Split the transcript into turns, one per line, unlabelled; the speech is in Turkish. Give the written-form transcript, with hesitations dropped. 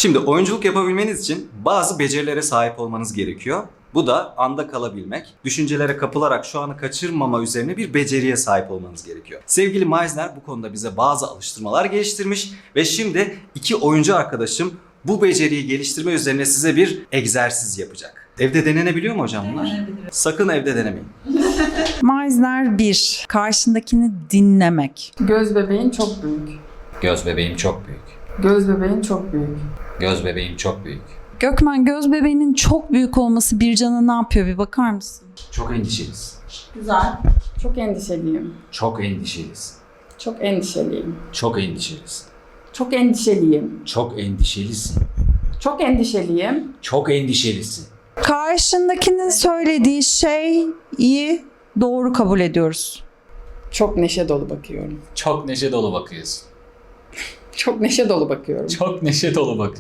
Şimdi oyunculuk yapabilmeniz için bazı becerilere sahip olmanız gerekiyor. Bu da anda kalabilmek, düşüncelere kapılarak şu anı kaçırmama üzerine bir beceriye sahip olmanız gerekiyor. Sevgili Meisner bu konuda bize bazı alıştırmalar geliştirmiş ve şimdi iki oyuncu arkadaşım bu beceriyi geliştirme üzerine size bir egzersiz yapacak. Evde denenebiliyor mu hocam bunlar? Sakın evde denemeyin.
Meisner 1. Karşındakini dinlemek.
Göz bebeğin çok büyük.
Göz bebeğim çok büyük.
Göz bebeğin çok büyük.
Göz bebeğim çok büyük.
Gökmen, göz bebeğinin çok büyük olması Bircan'a ne yapıyor, bir bakar mısın?
Çok endişeliyiz.
Güzel. Çok endişeliyim.
Çok endişeliyiz.
Çok endişeliyim.
Çok endişeliyiz.
Çok endişeliyim.
Çok endişelisin.
Çok endişeliyim.
Çok endişelisin.
Karşındakinin söylediği şeyi doğru kabul ediyoruz.
Çok neşe dolu bakıyorum.
Çok neşe dolu bakıyorsun.
Çok neşe dolu bakıyorum.
Çok neşe dolu bakıyorsun.